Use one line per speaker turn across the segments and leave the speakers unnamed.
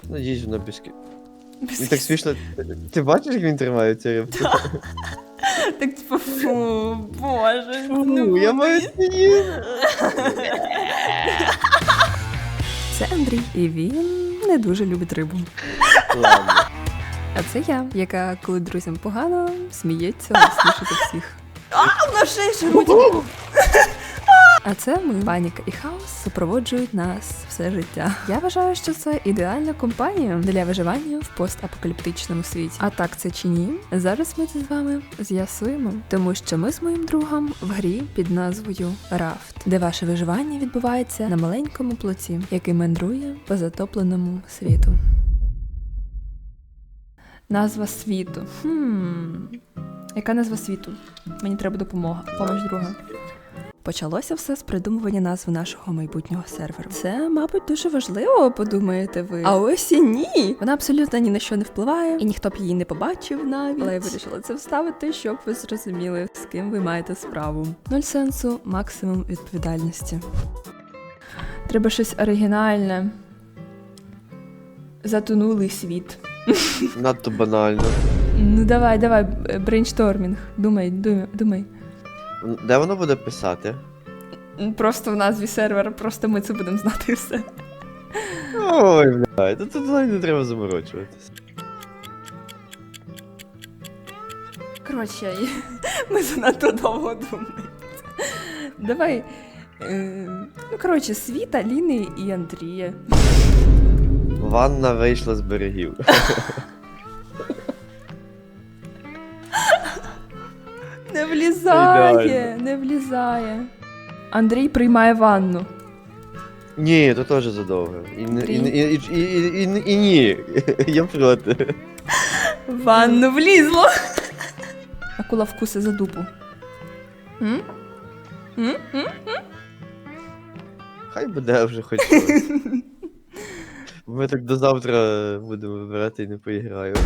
Надіюсь, вона Він так смішно. Ти бачиш, як він тримає цю рибку?
Так типу, фу, боже.
Фу, я маю сидіти.
Це Андрій, і він не дуже любить рибу.
Ладно.
А це я, яка, коли друзям погано, сміється голосніше за всіх. На шеї шарудять! А це ми. Паніка і хаос супроводжують нас все життя. Я вважаю, що це ідеальна компанія для виживання в постапокаліптичному світі. А так це чи ні? Зараз ми це з вами з'ясуємо. Тому що ми з моїм другом в грі під назвою Рафт, де ваше виживання відбувається на маленькому плоті, який мандрує по затопленому світу. Назва світу. Яка назва світу? Мені треба допомога. Помощь друга. Почалося все з придумування назви нашого майбутнього серверу. Це, мабуть, дуже важливо, подумаєте ви. А ось і ні! Вона абсолютно ні на що не впливає, і ніхто б її не побачив навіть. Але я вирішила це вставити, щоб ви зрозуміли, з ким ви маєте справу. Нуль сенсу, максимум відповідальності. Треба щось оригінальне. Затонулий світ.
Надто банально.
Ну давай, брейнштормінг. Думай.
Де воно буде писати?
Просто в назві сервера, просто ми це будемо знати і все.
Ой, блядь, тут не треба заморочуватись.
Коротше, ми занадто довго думаємо. Давай. Світа, Ліни і Андрія.
Ванна вийшла з берегів.
Не влізає. Андрій приймає ванну.
Ні, то теж задовго. І ні, я проти.
Ванну влізло. Акула вкуси за дупу.
Хай буде вже хоч щось. Ми так до завтра будемо вибирати і не поіграємо.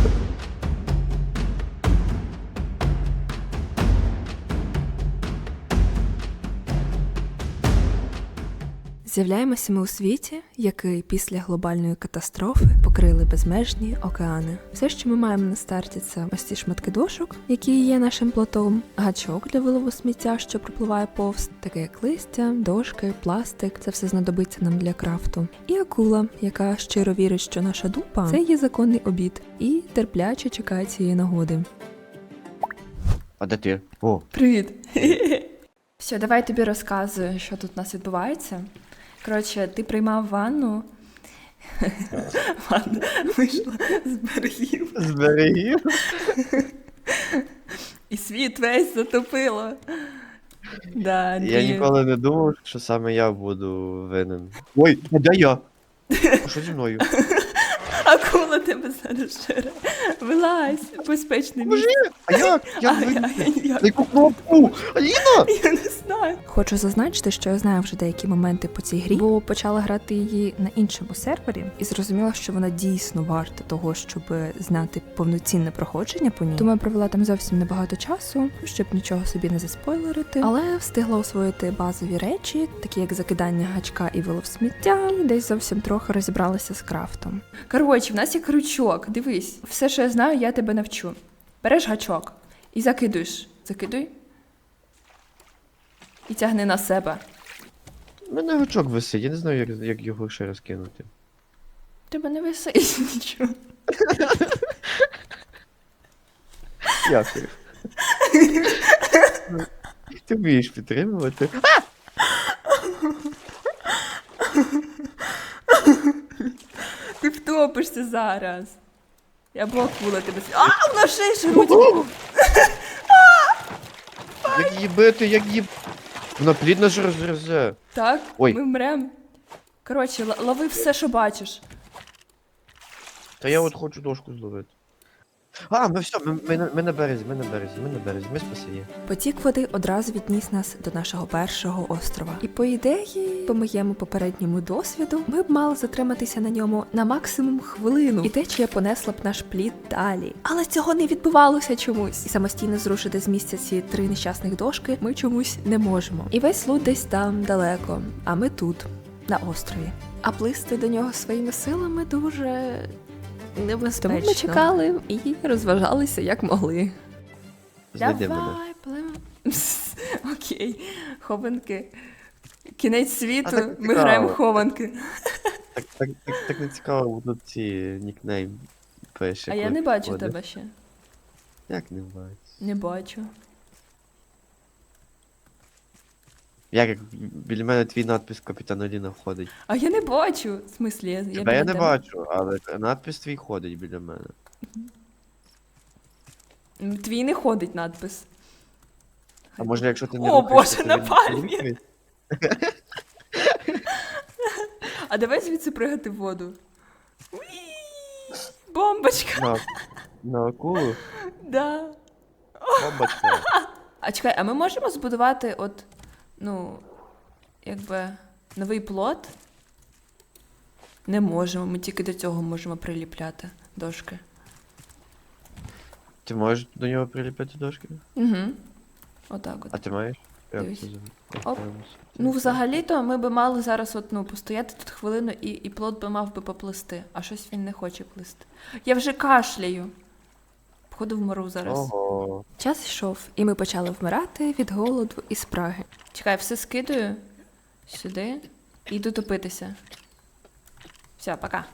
З'являємося ми у світі, який після глобальної катастрофи покрили безмежні океани. Все, що ми маємо на старті, це ось ці шматки дошок, які є нашим плотом, гачок для вилову сміття, що пропливає повз, таке як листя, дошки, пластик. Це все знадобиться нам для крафту. І акула, яка щиро вірить, що наша дупа – це є законний обід, і терпляче чекає цієї нагоди.
А де ти? О.
Привіт! Все, давай я тобі розказую, що тут у нас відбувається. Коротше, ти приймав ванну. Ванна вийшла з берегів.
З берегів?
І світ весь затопило. Да,
Я ніколи не думав, що саме я буду винен. Ой, а де я? Що зі мною?
Акула тебе зараз жере. Вилазь, безпечне місце.
А як? Як
Я
винен? Яку кнопку? Аліна!
Я не знаю. Хочу зазначити, що я знаю вже деякі моменти по цій грі, бо почала грати її на іншому сервері і зрозуміла, що вона дійсно варта того, щоб знати повноцінне проходження по ній. Тому я провела там зовсім небагато часу, щоб нічого собі не заспойлерити, але встигла освоїти базові речі, такі як закидання гачка і вилов сміття, і десь зовсім трохи розібралася з крафтом. Коротше, в нас є крючок, дивись, все, що я знаю, я тебе навчу. Береш гачок і закидуєш. Закидуй. І тягни на себе.
У мене гачок висить, я не знаю, як його ще розкинути.
Тебе не висить нічого.
Дякую. Ти вмієш підтримувати.
Ти втопишся зараз. Я б акула тебе. На шеї шарудять.
Як її бити, як її... Вона плідно ж розрезе.
Так,
Ой.
ми вмрем. Коротше, лови все, що бачиш.
Та я от хочу дошку зловити. А, ми все, ми на березі, ми спасені.
Потік води одразу відніс нас до нашого першого острова. І по ідеї, по моєму попередньому досвіду, ми б мали затриматися на ньому на максимум хвилину. І течія понесла б наш плід далі. Але цього не відбувалося чомусь. І самостійно зрушити з місця ці 3 нещасних дошки ми чомусь не можемо. І весь лут десь там далеко, а ми тут. на острові. А плисти до нього своїми силами дуже небезпечно. Тому ми чекали і розважалися як могли.
Знайди мене.
Давай, пливемо. Окей, хованки. Кінець світу,
так
ми
цікаво.
граємо в хованки.
Так не цікаво, тут ці нікнейм пише.
А я
коли
не бачу
входиш.
тебе ще.
Як не бачиш?
Не бачу.
Як біля мене твій надпис Капітан Оліна входить.
А я не бачу. В смислі, я
Тебе я
біля
не
тебе.
бачу, але надпис твій ходить біля мене.
Твій не ходить надпис.
А може, якщо ти не
О,
рухаєшся,
Боже,
то
на
він
пальмі!
рухається?
А давай звідси пригати в воду. Уі! Бомбочка!
На акулу?
Да.
Бомбочка.
А чекай, а ми можемо збудувати от, ну, якби, новий плот? Не можемо, ми тільки до цього можемо приліпляти дошки.
Ти можеш до нього приліпити дошки?
Угу. Отак от.
А ти маєш? Як
Дивись.
це
Оп. Ну, взагалі-то ми би мали зараз от, ну, постояти тут хвилину і плот би мав би поплисти, а щось він не хоче плисти. Я вже кашляю. Походу вмру зараз.
Ого.
Час йшов, і ми почали вмирати від голоду і спраги. Чекай, все скидаю сюди і йду топитися. Все, пока.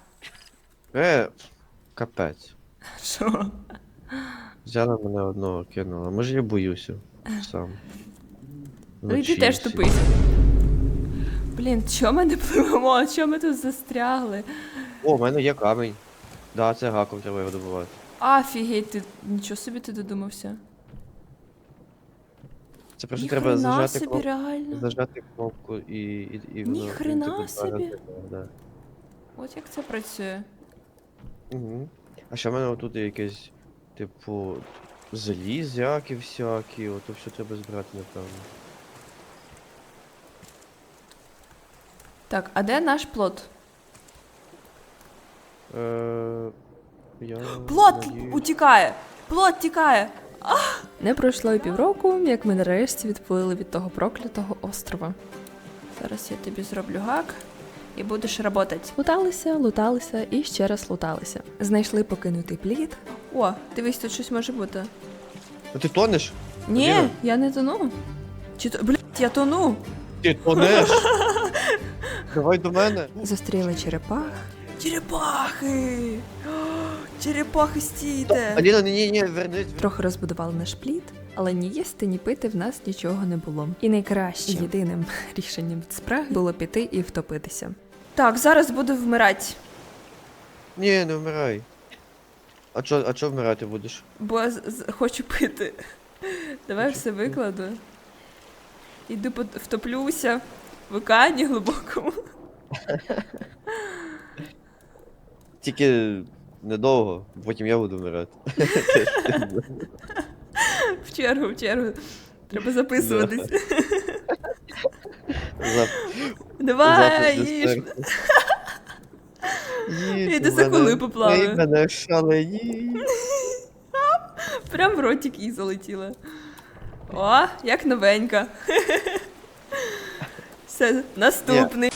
Капець.
Що?
Взяла мене одного, кинула. Може я боюся сам.
Ну йди
Вночі
теж
всі.
топись. Блін, чого ми не пливемо? Чого ми тут застрягли?
О, в мене є камінь. Да, це гаком треба його добувати.
Афігеть, ти нічого собі ти додумався.
Це просто
Ні
треба
хрена
зажати
собі,
кнопку.
реально.
Зажати кнопку і воно.
хрена
типу, два
собі.
рази, да.
От як це працює.
Угу. А ще в мене отут є якесь, типу, залізяки всякі, ото все треба збирати, напевно.
Так, а де наш плот?
Я
Плот
надіюсь-
утікає! Плот тікає! Не пройшло і півроку, як ми нарешті відплили від того проклятого острова. Зараз я тобі зроблю гак і будеш работать. Луталися і ще раз луталися. Знайшли покинутий плід. О, дивись, тут щось може бути.
А ти тонеш?
Ні,
Аліна?
я не тону. Чи то. Блять, я тону!
Ти тонеш? Давай до мене.
Зустріли черепах. Черепахи! Черепахи стійте!
Аліна, ні, вернись.
Трохи розбудували наш плід, але ні їсти, ні пити в нас нічого не було. І найкращим єдиним рішенням від спраги було піти і втопитися. Так, зараз буду вмирати,
Ні, не вмирай. А чо вмирати будеш?
бо хочу пити. Давай все викладу. Іду втоплюся в океані глибокому.
Тільки недовго, потім я буду вмирати.
В чергу. Треба записуватись. Давай, їж. Іди за коли поплаваю.
Мене шалені.
Прям в ротик і залетіла. О, як новенька. Все, наступний.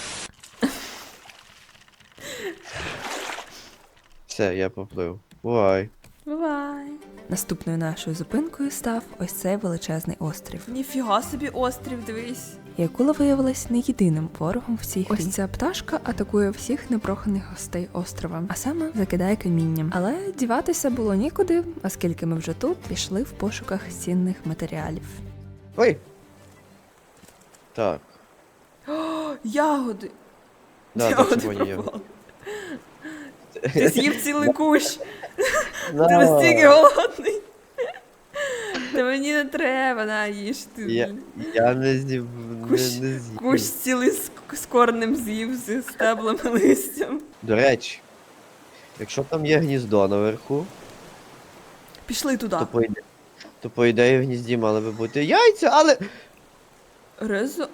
Все, я поплив. Бувай.
Бувай. Наступною нашою зупинкою став ось цей величезний острів. Ніфіга собі острів, дивись. І акула виявилась не єдиним ворогом в цій грі. Ось ця пташка атакує всіх непроханих гостей острова, а саме закидає камінням. Але діватися було нікуди, оскільки ми вже тут пішли в пошуках цінних матеріалів.
Ой! Так.
Ягоди!
Да,
Ягоди
червоні є.
пропали. Ти з'їв цілий кущ. Ти
Да.
настільки голодний. Та мені не треба, на, їж ти.
Я не з'їв.
Кущ-
Не з'їв.
Кущ цілий з корнем з'їв, з стеблами, листям.
До речі, якщо там є гніздо наверху,
Пішли туди.
то по ідеї в гнізді мали би бути яйця, але.
Резо.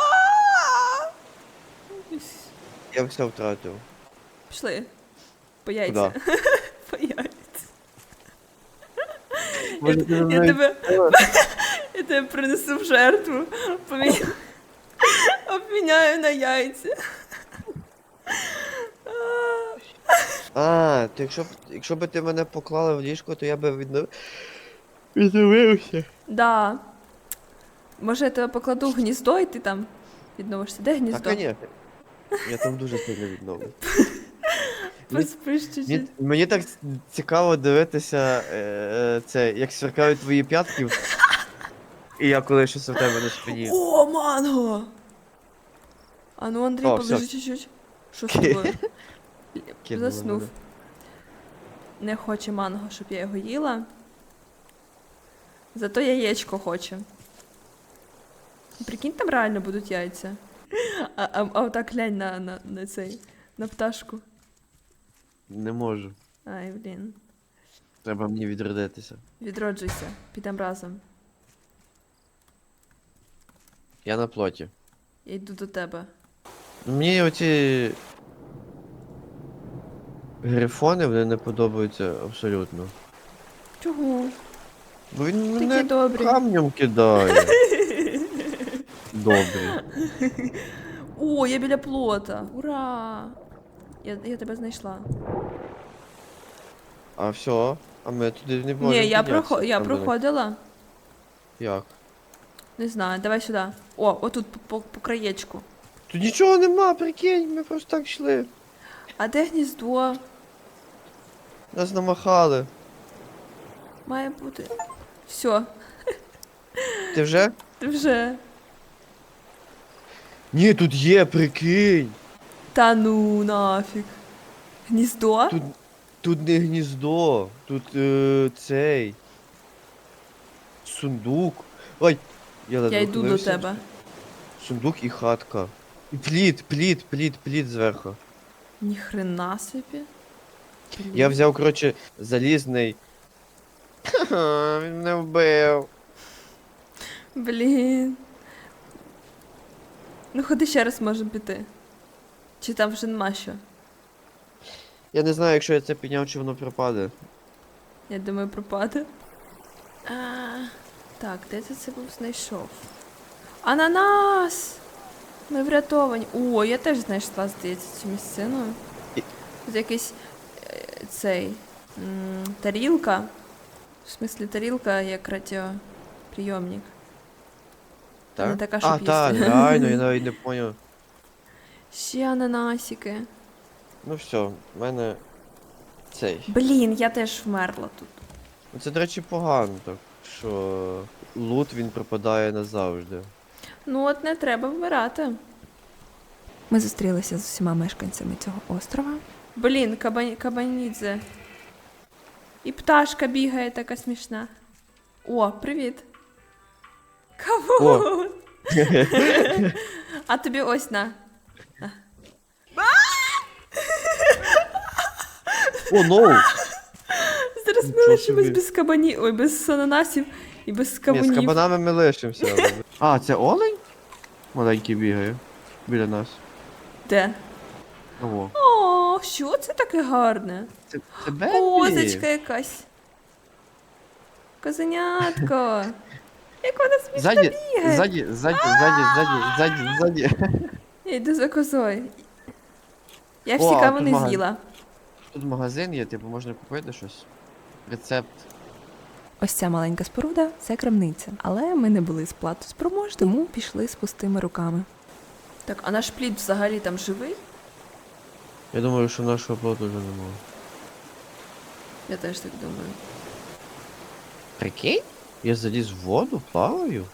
Я все втратив.
Пішли. По яйця.
Куда?
По яйця.
Може, ти
Я
знаєш-
тебе. Я тебе принесу в жертву. Обміняю на яйця.
А, то якщо б ти мене поклала в ліжко, то я би відновився.
Да. Може, я тебе покладу в гніздо і ти там відновишся. Де
Та,
гніздо?
конечно. Я там дуже сильно відновлюсь.
Поспиш чуть-чуть.
Мені так цікаво дивитися, це, як сверкають твої п'ятки, і я коли щось у тебе на спині.
О, манго! А ну, Андрій,
О,
полежи
всё.
чуть-чуть. Що з тобою?
Кинули
Заснув.
мене.
Не хоче манго, щоб я його їла. Зато яєчко хоче. Прикинь, там реально будуть яйця. А отак глянь на цей, на пташку.
Не можу.
Ай, блін.
Треба мені відродитися.
Відроджуйся, підемо разом.
Я на плоті.
Я йду до тебе.
Мені оці грифони вони не подобаються абсолютно.
Чого?
Бо він
Такі
мене
добрі.
камнем кидає. Добрий.
О, я біля плота. Ура! Я тебе знайшла.
А все, а ми туди не можемо
Ні, я
піднятися, там, де
проходила.
Як?
Не знаю, давай сюди. О, отут по краєчку.
Тут нічого нема, прикинь, ми просто так йшли.
А де гніздо?
Нас намахали.
Має бути. Все,
Ти вже?
ти вже.
Ні, тут є, прикинь.
Та ну нафіг. Гніздо?
Тут не гніздо, тут цей. Сундук. Ой, я ледве
Я йду до
ухилився.
тебе.
Сундук і хатка. І плід зверху.
Ніхрена собі. Блін.
Я взяв, коротше, залізний. Ха-ха, він мене вбив.
Блін. Ну ходи ще раз можемо піти. Чи там вже нема що?
Я не знаю, якщо я це підняв, чи воно пропаде.
Я думаю, пропаде. Так, де ти це був знайшов? Ананас! Ми врятовані. О, я теж знайшла, здається, цю місцину.
І-
Тут якийсь цей тарілка. В смислі, тарілка як радіоприйомник.
Так?
Не така, щоб
А, так,
їсти.
реально, я навіть не поняв.
Ще ананасики.
Ну все, в мене цей.
Блін, я теж вмерла тут.
Ну, це, до речі, погано так, що лут він пропадає назавжди.
Ну от не треба вмирати. Ми зустрілися з усіма мешканцями цього острова. Блін, кабанідзе. І пташка бігає така смішна. О, привіт. Кавун! А тобі ось на.
О, ноу!
Зараз ми
Нічого
лишимось
собі.
без кабанів, ой, без ананасів і без
Ні, з
кавунів.
кабанами ми лишимося. але- А, це олень? Маленький бігає. Біля нас.
Де?
Ого.
О, що це таке гарне?
Це Бебі?
Козочка якась. Козенятко. Як вона смішно
Ззаді,
бігає.
ззаді.
Я йду за козою. Я
О,
всі
а
кавуни
тут
з'їла.
Тут магазин є, типу можна купити щось. Рецепт.
Ось ця маленька споруда це крамниця. Але ми не були сплатоспроможні, тому пішли з пустими руками. Так, а наш плід взагалі там живий?
Я думаю, що нашого плоту вже немає.
Я теж так думаю.
Прикинь? Я заліз в воду, плаваю.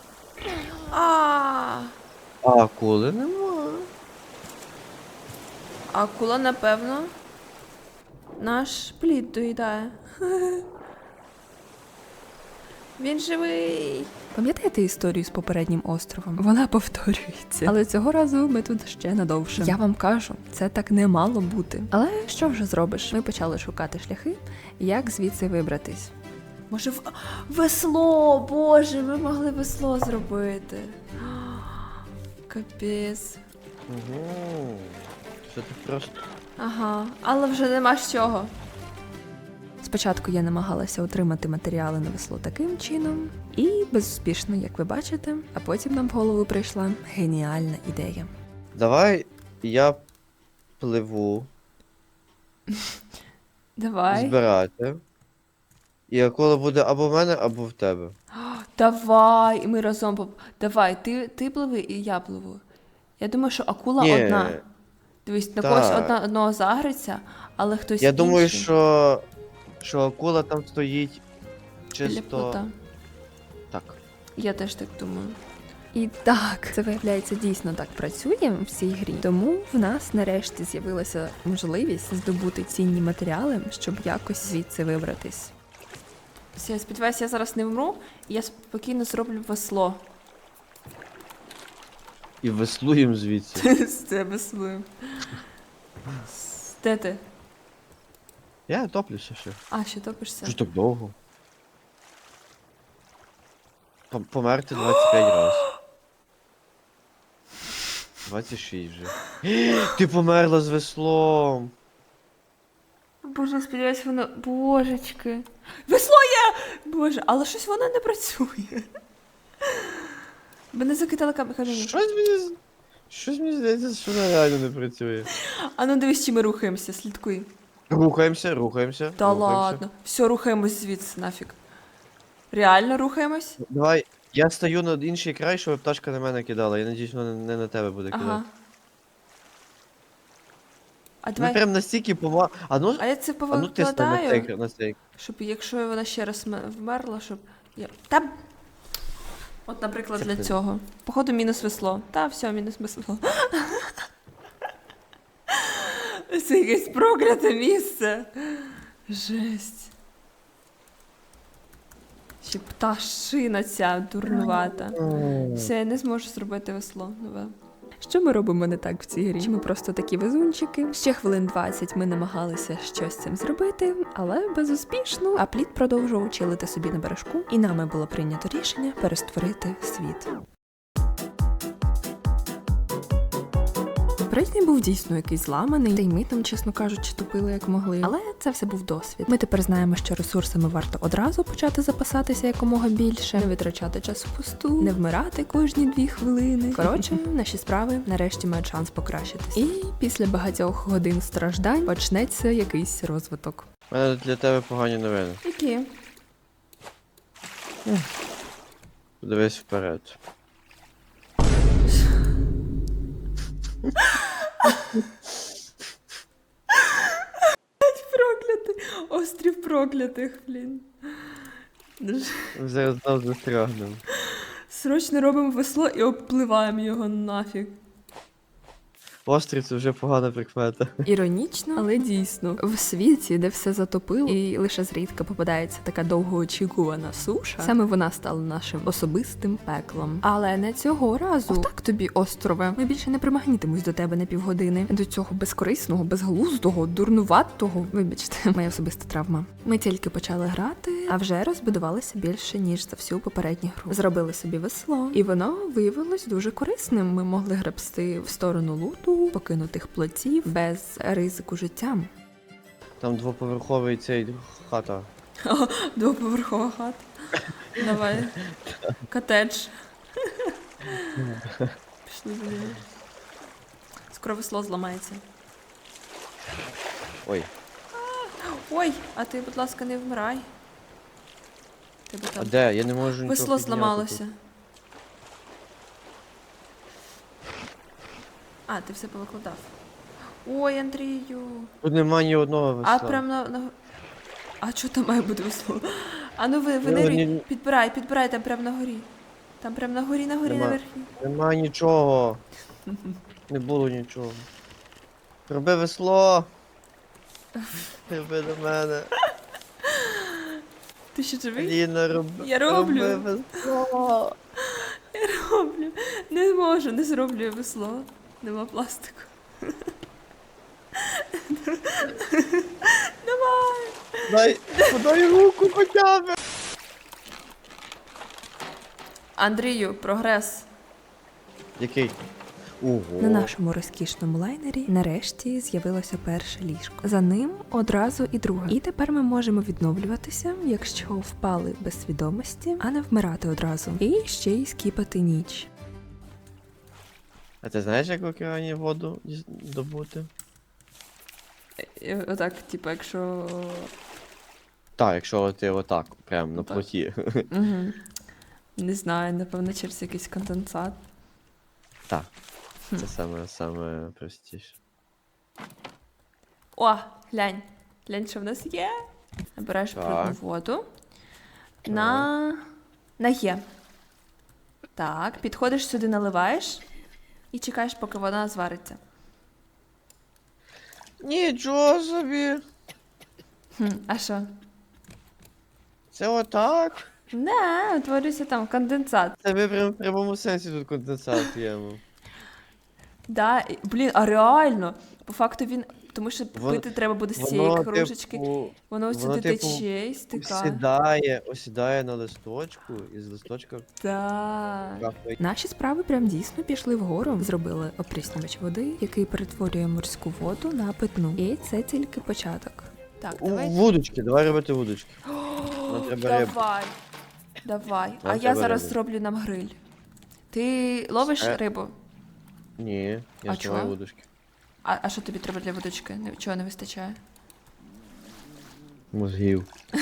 А
А акули нема.
акула, напевно, наш плід доїдає. Він живий. Пам'ятаєте історію з попереднім островом? Вона повторюється. Але цього разу ми тут ще надовше. Я вам кажу, це так не мало бути. Але що вже зробиш? Ми почали шукати шляхи, як звідси вибратись. Може, весло, боже, ми могли весло зробити. Капець.
Угу. Що ти просто.
Ага, але вже нема з чого. Спочатку я намагалася отримати матеріали на весло таким чином, і безуспішно, як ви бачите, а потім нам в голову прийшла геніальна ідея.
Давай я пливу.
Давай.
збирати. І акула буде або в мене, або в тебе.
Давай, і ми разом Давай, ти пливи і я пливу. Я думаю, що акула
Ні,
одна. Дивись, на
та.
когось одного загриться, але хтось
Я думаю,
інший
що акула там стоїть
біля
чисто.
плота.
Так.
Я теж так думаю. І так, це виявляється дійсно так працює в цій грі. Тому в нас нарешті з'явилася можливість здобути цінні матеріали, щоб якось звідси вибратись. Все, я сподіваюся, я зараз не вмру, і я спокійно зроблю весло.
І веслуємо звідси.
З це весло. Де ти?
Я топлюся ще.
А, ще топишся?
Що ж так довго? Померти 25 разів. 26 вже. Ти померла з веслом.
Боже, сподіваюся, воно. Божечки. Весло є! Боже, але щось воно не працює. Мене закидали камінь.
Щось мені здається, що вона реально не працює.
А ну дивись, чи ми рухаємося, слідкуй.
Рухаємося.
Та
рухаємося.
ладно. Все, рухаємось звідси нафіг. Реально рухаємось?
Давай, я стою на інший край, щоб пташка на мене кидала. Я надіюсь, вона не на тебе буде кидати.
Ага. А
Ми
давай.
прям настільки А ну,
А я це
а ну тисни на
повикладаю,
цей, на цей.
щоб якщо вона ще раз вмерла, щоб я. Та. От, наприклад,
Це
для
ти.
цього. Походу, мінус весло. Та, все, мінус весло. Це якесь прокляте місце. Жесть. Ще пташина ця дурнувата. Все, я не зможу зробити весло нове. Що ми робимо не так в цій грі? Чи ми просто такі везунчики? Ще хвилин 20 ми намагалися щось з цим зробити, але безуспішно. А плід продовжував чилити собі на бережку, і нами було прийнято рішення перестворити світ. Попередній був дійсно якийсь зламаний, та й ми там, чесно кажучи, тупили як могли. Але це все був досвід. Ми тепер знаємо, що ресурсами варто одразу почати запасатися якомога більше, не витрачати час впусту, не вмирати кожні 2 хвилини. Коротше, наші справи нарешті мають шанс покращитись. І після багатьох годин страждань почнеться якийсь розвиток.
У мене для тебе погані новини.
Які?
Подивись вперед.
Проклятий! Острів проклятих, блін.
Ми зараз знов застрягнемо.
Срочно робимо весло і обпливаємо його нафіг.
Острів це вже погана прикмета.
Іронічно, але дійсно. В світі, де все затопило, і лише зрідка попадається така довгоочікувана суша, саме вона стала нашим особистим пеклом. Але не цього разу. Отак тобі, острове. Ми більше не примагнітимось до тебе на півгодини. До цього безкорисного, безглуздого, дурнуватого. Вибачте, моя особиста травма. Ми тільки почали грати, а вже розбудувалися більше, ніж за всю попередню гру. Зробили собі весло, і воно виявилось дуже корисним. Ми могли гребсти в сторону луту, покинутих плотів без ризику життям.
Там двоповерховий цей хата.
Двоповерхова хата. Давай. Котедж. Пішли за ним. Скоро весло зламається.
Ой.
Ой, а ти, будь ласка, не вмирай. Тебе
А
там
де? Я не можу нічого
весло
підняти
зламалося.
тут.
А, ти все повикладав. Ой, Андрію.
Тут нема ні одного весла.
А прям на... А що там має бути весло? А ну ви
Ну,
нирі,
ні-
підбирай там прям на горі. Там прям на горі,
Нема.
наверхі.
Нема нічого. Не було нічого. Роби весло. Роби до мене.
Ти ще живий?
Ліна, роби.
Я роблю.
Роби весло.
Роблю. Не можу, не зроблю я весло. Нема пластику. Давай.
Подай руку хоча б.
Андрію, прогрес.
Який? Ого.
На нашому розкішному лайнері нарешті з'явилося перше ліжко. За ним одразу і друге. І тепер ми можемо відновлюватися, якщо впали без свідомості, а не вмирати одразу. І ще й скіпати ніч.
А ти знаєш, як в океані воду добути?
Отак, типу, якщо.
Так, якщо ти отак, прям на
Так.
плоті.
Угу. Не знаю, напевно, через якийсь конденсат.
Так. Це саме простіше.
О, глянь. Глянь, що в нас є. Набираєш
Так.
брудну воду. На Є. Так, підходиш сюди, наливаєш і чекаєш, поки вона звариться.
Нічого собі.
А що?
Це отак.
Не, утворюється там конденсат.
Це ми прям в прямому сенсі тут конденсат п'ємо.
Да, блін, а реально. По факту він. Тому що
Воно-
пити треба буде з цієї кружечки.
типу,
Воно сюди тече і стикає.
осідає на листочку, і з листочка
Так.
капає.
Наші справи прям дійсно пішли вгору. Зробили опріснювач води, який перетворює морську воду на питну. І це тільки початок. Так, давай.
Вудочки, давай робити вудочки. Нам треба рибу.
Давай. А
Нам
я
треба
зараз
рибу.
зроблю нам гриль. Ти ловиш рибу?
Ні, я
А
знімаю
чого?
вудочки.
А що тобі треба для водички? Чого не вистачає?
Мозгів.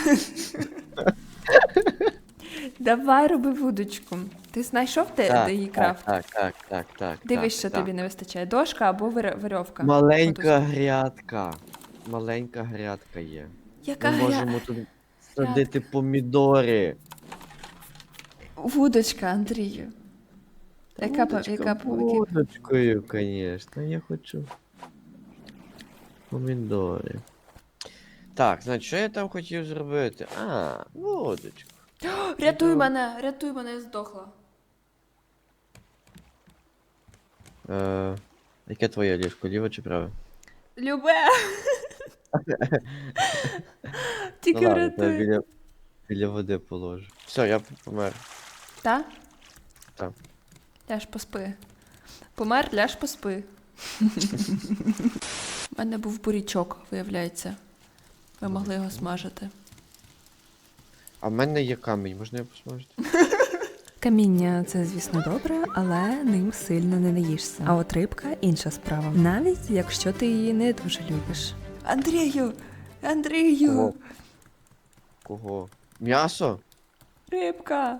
Давай роби вудочку. Ти знайшов де її крафт?
Так.
Дивись, що
так.
тобі не вистачає. Дошка або верьовка.
Маленька грядка. Маленька грядка є.
Яка
Ми можемо тут садити помідори.
Вудочка, Андрію. Яка
Вудочкою, звісно, я хочу помідори. Так, значить, що я там хотів зробити? Вудочку.
Рятуй мене, я здохла.
Яке твоє ліжко, ліве чи праве?
Любе. Тільки
Ну ладно,
врятуй.
біля води положу. Все, я помер.
Та?
Так.
Ляж поспи. Помер, ляж поспи. У мене був бурячок, виявляється. Ви могли його смажити.
А в мене є камінь, можна його посмажити?
Каміння це, звісно, добре, але ним сильно не наїшся. А от рибка інша справа. Навіть якщо ти її не дуже любиш. Андрію!
Кого? Кого? М'ясо?
Рибка!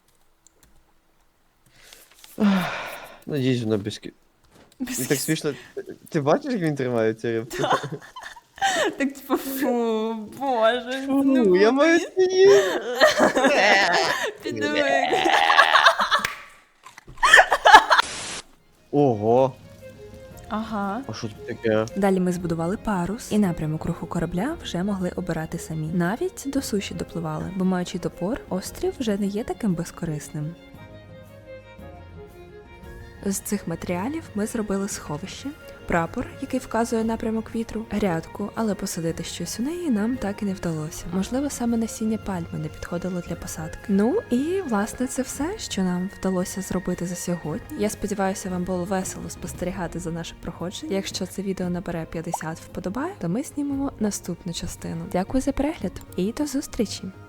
Надіюсь, вона без... І так смішно. Ти бачиш, як він тримає цю рибку?
Так типу, фу, боже.
Фу, я маю з'їсти.
Підиви.
Ого,
Ага.
а що тут таке?
Далі ми збудували парус, і напрямок руху корабля вже могли обирати самі. Навіть до суші допливали, бо маючи топор, острів вже не є таким безкорисним. З цих матеріалів ми зробили сховище, прапор, який вказує напрямок вітру, грядку, але посадити щось у неї нам так і не вдалося. Можливо, саме насіння пальми не підходило для посадки. Ну і, власне, це все, що нам вдалося зробити за сьогодні. Я сподіваюся, вам було весело спостерігати за наше проходження. Якщо це відео набере 50 вподобає, то ми знімемо наступну частину. Дякую за перегляд і до зустрічі!